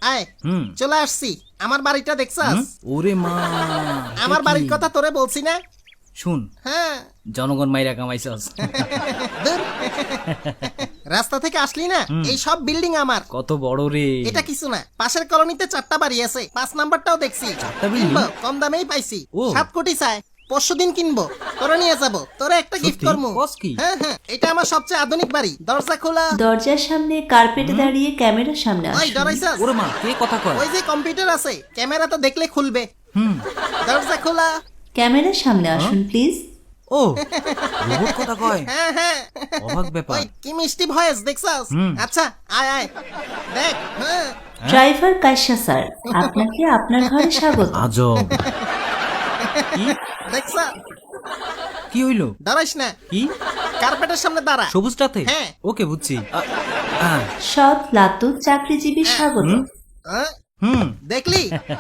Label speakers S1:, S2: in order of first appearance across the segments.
S1: আয় চলে আসছি। আমার বাড়িটা দেখছাস?
S2: ওরে মা,
S1: আমার বাড়ির কথা তোরে বলছি না?
S2: শুন,
S1: হ্যাঁ
S2: জনগণ মাইরা কামাইছস।
S1: ধুর। রাস্তা থেকে আসলি না, এই সব বিল্ডিং আমার।
S2: কত বড় রে
S1: এটা কিছু না, পাশের কলোনিতে 4টা বাড়ি আছে, 5 নাম্বারটাও দেখছি।
S2: building?
S1: কিনবো, কম দামেই পাইছি।
S2: ও।
S1: 7 কোটি চাই, পরশুদিন কিনবো, তোরে নিয়ে যাবো, তোরে একটা গিফট
S2: সত্যি?
S1: করবো।
S2: বস কি?
S1: হ্যাঁ হ্যাঁ, এটা আমার সবচেয়ে আধুনিক বাড়ি। দরজা খোলা।
S3: দরজার সামনে কার্পেটে দাঁড়িয়ে ক্যামেরার সামনে
S1: ওই
S3: আসুন।
S1: ডরাইছাস?
S2: ওরে মা, কে কথা কয়?
S1: ওই যে কম্পিউটার আছে, ক্যামেরা তো দেখলে খুলবে।
S2: হুম,
S1: দরজা খোলা।
S3: ক্যামেরার সামনে আসুন প্লিজ।
S2: ও রোবট কথা কয়,
S1: হ্যাঁ হ্যাঁ,
S2: অবাক ব্যাপার।
S1: ওই কি মিষ্টি ভয়েস দেখছাস? আচ্ছা আয় আয় দেখ। হ্যাঁ
S3: ড্রাইভার কাশ্যা স্যার, আপনাকে আপনার ঘরে স্বাগত।
S2: আজব। কি
S1: দেখছা?
S2: কি হইলো?
S1: দাঁড়াইস না,
S2: কি
S1: কার্পেটের সামনে দাঁড়া।
S2: সবুজটাতে?
S1: হ্যাঁ।
S2: ওকে, বুঝছি।
S3: সৎ লাতু চাকরিজীবী স্বাগত।
S1: হ্যাঁ,
S2: হুম,
S1: দেখলি?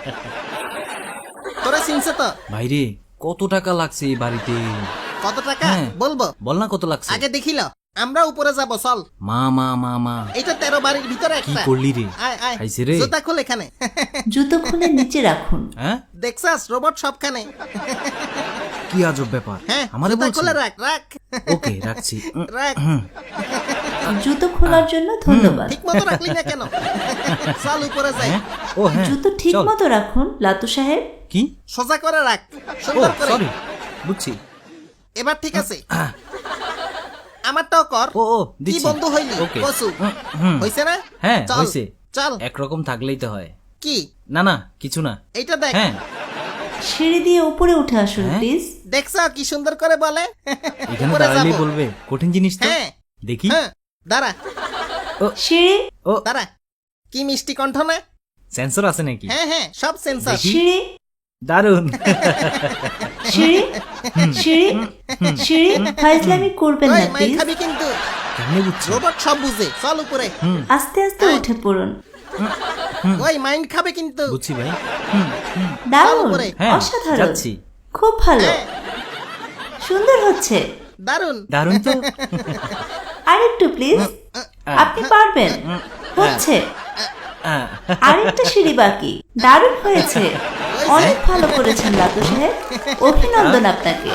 S1: তোরা চিনছে তো?
S2: ভাইরে, কত টাকা লাগছে এই বাড়িতে?
S1: কত টাকা
S2: হ্যাঁ।
S1: বলবো?
S2: বল না কত লাগছে।
S1: আগে দেখিল, আমরা উপরে যাব, চল।
S2: মা মা মা মা,
S1: এটা 13 বাড়ির ভিতরে
S2: কি
S1: একটা।
S2: করলি রে?
S1: আয় আয়,
S2: খাইছে রে?
S1: জুতা খোল এখানে।
S3: জুতো খুলে নিচে রাখুন।
S2: হ্যাঁ,
S1: দেখছাস রোবট সবখানে?
S2: কি আজব ব্যাপার।
S1: হ্যাঁ,
S2: আমারে
S1: জুতা
S2: বলছিস?
S1: খুলে রাখ রাখ।
S2: ওকে, রাখছি।
S1: রাখ।
S3: জুতো খোলার জন্য ধন্যবাদ।
S1: ঠিক মতো রাখলি না কেন? চল উপরে যাই।
S2: হ্যাঁ? ও হ্যাঁ,
S3: জুতো ঠিক
S2: চল।
S3: মতো রাখুন লাতু সাহেব।
S2: কি?
S1: সোজা করে রাখ,
S2: ও
S1: সুন্দর করে।
S2: সরি, বুঝছি।
S1: এবার ঠিক আছে। আমারটাও কর।
S2: ও ও,
S1: কি
S2: দিচ্ছি।
S1: বন্ধু হইলি?
S2: ওকে।
S1: কসু
S2: হুম,
S1: হইছে না?
S2: হ্যাঁ
S1: চল,
S2: হইছে।
S1: চল।
S2: একরকম থাকলেই তো হয়।
S1: কি?
S2: না না, কিছু না।
S1: এইটা দেখ।
S2: হ্যাঁ,
S3: সিঁড়ি দিয়ে উপরে উঠে আসুন
S2: হ্যাঁ?
S3: প্লিজ।
S1: দেখছা কি সুন্দর করে বলে?
S2: এখানে
S1: উপরে
S2: দাঁড়ালেই
S1: যাবো।
S2: বলবে কঠিন জিনিস তো।
S1: হ্যাঁ
S2: দেখি।
S1: হ্যাঁ, দাঁড়া
S3: সিঁড়ি
S2: ও,
S1: দাঁড়া। কি মিষ্টি কণ্ঠ না?
S2: সেন্সর আছে নাকি?
S1: হ্যাঁ হ্যাঁ, সব সেন্সর।
S2: দেখি।
S3: সিঁড়ি
S2: দারুন।
S3: সিঁড়ি সিঁড়ি সিঁড়ি ফাইজলামি করবেন
S1: ওই
S3: না
S1: মাইর
S3: প্লিজ।
S1: খাবি কিন্তু।
S2: কেমনে বুঝছি?
S1: রোবট সব বুঝে, চল উপরে।
S3: আস্তে আস্তে উঠে পড়ুন।
S1: ওই মাইন্ড খাবে কিন্তু।
S2: বুঝছি ভাই।
S3: দারুণ,
S1: উপরে।
S2: হ্যাঁ,
S3: অসাধারণ,
S2: যাচ্ছি।
S3: খুব ভালো,
S1: হ্যাঁ,
S3: সুন্দর হচ্ছে।
S1: দারুন।
S2: দারুন তো।
S3: আরেকটু প্লিজ, আপনি পারবেন, হচ্ছে। আরেকটা সিঁড়ি বাকি, দারুণ হয়েছে, অনেক ভালো করেছেন লাতু সাহেব, অভিনন্দন আপনাকে।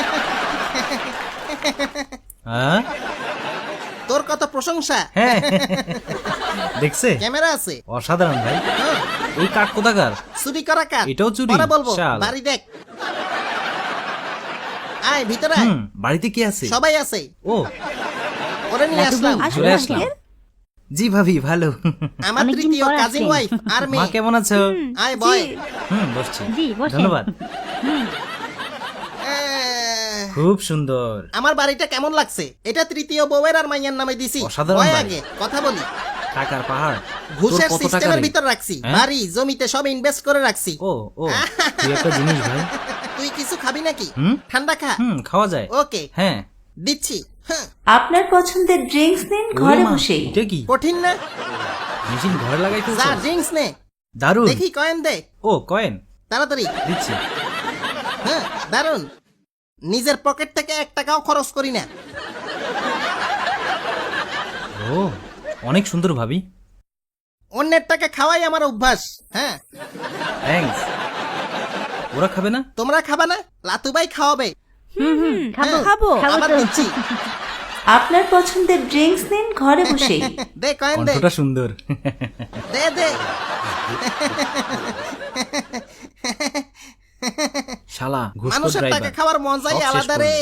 S2: হ্যাঁ
S1: তোর কত প্রশংসা।
S2: হ্যাঁ, দেখছে?
S1: ক্যামেরা আছে।
S2: অসাধারণ ভাই। এই কাঠ কোথাকার?
S1: চুরি করা কাজ।
S2: এটাও চুরি?
S1: পরে বলবো।
S2: শালা।
S1: বাড়ি দেখ। আয় ভিতরে আয়।
S2: বাড়িতে কি আছে?
S1: সবাই আছে।
S2: ও,
S1: ওরে নিয়ে আসলাম।
S2: চলে আসলাম। জি ভাবি, ভালো।
S1: আমার তৃতীয় কাজিন ওয়াইফ আর
S2: মা
S1: মেয়ে।
S2: কেমন আছো?
S1: আয় বয়।
S2: বসছি।
S4: জি, বসেন।
S2: ধন্যবাদ। খুব সুন্দর।
S1: আমার বাড়িটা কেমন লাগছে? এটা তৃতীয় বউয়ের আর মাইয়ার নামে দিছি।
S2: অসাধারণ
S1: বয়
S2: বাড়ি।
S1: আগে কথা বলি।
S2: টাকার পাহাড়।
S1: ঘুষের
S2: তোর কত টাকা
S1: সিস্টেমের
S2: রে?
S1: ভিতর রাখছি।
S2: হ্যাঁ?
S1: বাড়ি জমিতে সব ইনভেস্ট করে রাখছি।
S2: ও ও, তুই একটা জিনিস ভাই।
S1: তুই কিছু খাবি নাকি?
S2: হুম?
S1: ঠান্ডা খা।
S2: খাওয়া যায়।
S1: ওকে
S2: হ্যাঁ।
S1: দিচ্ছি। হ্যাঁ,
S3: আপনার পছন্দের ড্রিঙ্কস নিন
S2: ওরে
S3: ঘরে
S2: মা,
S3: বসেই।
S2: এটা কি?
S1: কঠিন না?
S2: মেশিন ঘরে লাগাই
S1: যা
S2: ফেলছো?
S1: ড্রিঙ্কস নে।
S2: দারুন।
S1: দেখি কয়েন দে
S2: ও, কয়েন
S1: তাড়াতাড়ি।
S2: দিচ্ছি।
S1: হ্যাঁ, দারুন। নিজের পকেট থেকে 1 টাকাও খরচ করি না।
S2: ও, অনেক সুন্দর ভাবি।
S1: অন্যের টাকা খাওয়াই আমার অভ্যাস। হ্যাঁ,
S2: থ্যাঙ্কস। ওরা খাবে না?
S1: তোমরা খাবা না? লাতুবাই খাওয়াবে।
S4: খাবো
S1: হ্যাঁ,
S4: খাবো
S1: আবার দিচ্ছি।
S3: আপনার পছন্দের ড্রিঙ্কস নিন ঘরে বসেই।
S1: দে কয়েন দে।
S2: কণ্ঠটা সুন্দর।
S1: দে দে।
S2: শালা ঘুষখোর
S1: মানুষের টাকা
S2: ড্রাইভার।
S1: খাওয়ার মজাই
S2: সব শেষ
S1: আলাদা রে।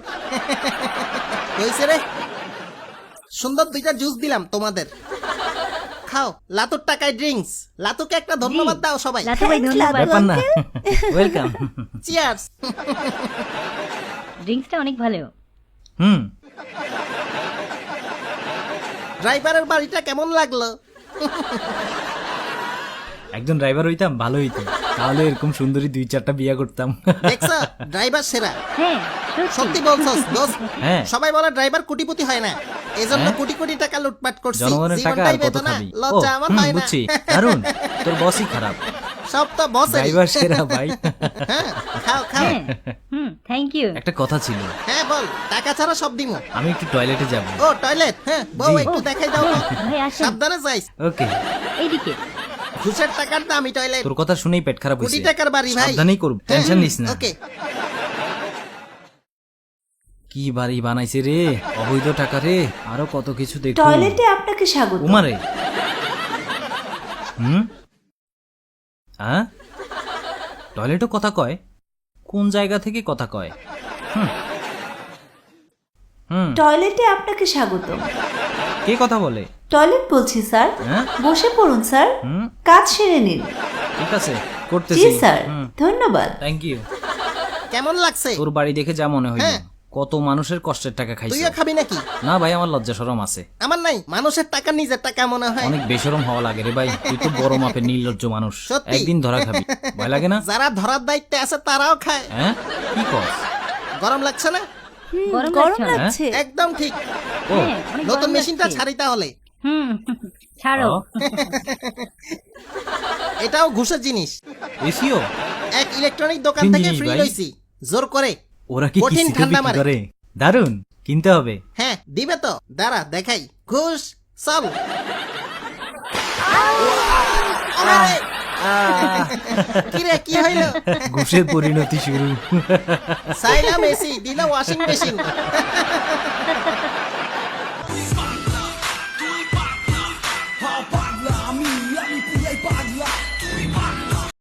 S1: হইছে রে। সুন্দর 2টা জুস দিলাম তোমাদের। খাও, লাতুর টাকায় ড্রিঙ্কস। লাতুকে একটা ধন্যবাদ দাও সবাই।
S4: লাতু ভাই ধন্যবাদ।
S2: ব্যাপার না। ওয়েলকাম।
S1: চিয়ার্স।
S4: ড্রিঙ্কসটা অনেক ভালো।
S1: ড্রাইভারের বাড়িটা কেমন লাগলো?
S2: একজন ড্রাইভার হইতাম, ভালো হইতো। তাহলে এরকম সুন্দরী 2-4টা বিয়া করতাম।
S1: দেখছ, ড্রাইভার সেরা।
S4: হ্যাঁ,
S1: সত্যি বলছস দোস্ত।
S2: হ্যাঁ।
S1: সবাই বলে ড্রাইভার কোটিপতি হয় না, এজন্য
S2: হ্যাঁ।
S1: কোটি কোটি টাকা লুটপাট করছি।
S2: জনগণের টাকা আর
S1: জীবনটাই
S2: কত
S1: বেদনা,
S2: খাবি? ও,
S1: লজ্জা আমার হয় না।
S2: বুঝছি। দারুন, তোর বসই খারাপ।
S1: সব তো বসে।
S2: ড্রাইভার সেরা ভাই।
S1: হ্যাঁ, খাও খাও।
S4: হ্যাঁ, থ্যাংক ইউ।
S2: একটা কথা ছিল,
S1: হ্যাঁ বল, টাকা ছাড়া সব দিমু।
S2: আমি একটু টয়লেটে যাব।
S1: ও টয়লেট, হ্যাঁ বউ
S2: জি।
S1: একটু দেখাই দাও তো।
S4: ভাই আসেন
S1: সাবধানে যাইস।
S2: ওকে।
S4: এইদিকে।
S1: ঘুষের টাকার দামি টয়লেট,
S2: তোর কথা শুনেই পেট খারাপ
S1: কোটি
S2: হয়েছে।
S1: টাকার বাড়ি ভাই।
S2: সাবধানেই করব, টেনশন নিস না।
S1: ওকে।
S2: কি বাড়ি বানাইছে রে, অবৈধ টাকা রে, আরো কত কিছু দেখো।
S3: টয়লেটে আপনাকে স্বাগত।
S2: উমারে হ্যাঁ, টয়লেটও কথা কয়? কোন জায়গা থেকে কথা কয়?
S3: টয়লেটে আপনাকে স্বাগত।
S2: কে কথা বলে?
S3: টয়লেট বলছি স্যার।
S2: হ্যাঁ?
S3: বসে পড়ুন স্যার, কাজ সেরে নিন।
S2: ঠিক আছে,
S3: জি
S2: করতেছি।
S3: স্যার, ধন্যবাদ।
S2: Thank you.
S1: কেমন লাগছে?
S2: তোর বাড়ি দেখে যা মনে হইল,
S1: হ্যাঁ।
S2: কত মানুষের কষ্টের টাকা খাইছে।
S1: তুইও খাবি নাকি?
S2: না ভাই, আমার লজ্জা শরম আছে।
S1: আমার নাই, মানুষের টাকা নিজের টাকা মনে হয়।
S2: অনেক বেশরম হওয়া লাগে রে ভাই, তুই তো বড় মাপের নির্লজ্জ মানুষ।
S1: সত্যি?
S2: একদিন ধরা খাবি, ভয় লাগে না?
S1: যারা ধরার দায়িত্বে আছে তারাও খায়।
S2: হ্যাঁ, কি কর?
S1: গরম লাগছে না?
S4: গরম
S3: গরম
S4: লাগছে না?
S3: লাগছে।
S1: একদম ঠিক।
S2: ও,
S4: হ্যাঁ, অনেক
S1: নতুন
S4: গরম
S1: মেশিনটা
S4: লাগছে।
S1: ছাড়ি তাহলে।
S4: ছাড়ো।
S1: এটাও ঘুষের জিনিস।
S2: এসিও?
S1: এক ইলেকট্রনিক দোকান
S2: তিন
S1: থেকে
S2: জিনিস
S1: ফ্রি
S2: ভাই।
S1: লইছি, জোর করে।
S2: ওরা কি
S1: কঠিন
S2: কিস্তিতে
S1: ঠান্ডা
S2: বিক্রি
S1: মারে।
S2: করে? দারুন, কিনতে হবে।
S1: হ্যাঁ দিবে তো, দাঁড়া দেখাই। ঘুষ চল। কিরে কি হইল?
S2: ঘুষের পরিণতি শুরু।
S1: চাইলাম এসি, দিল ওয়াশিং মেশিন।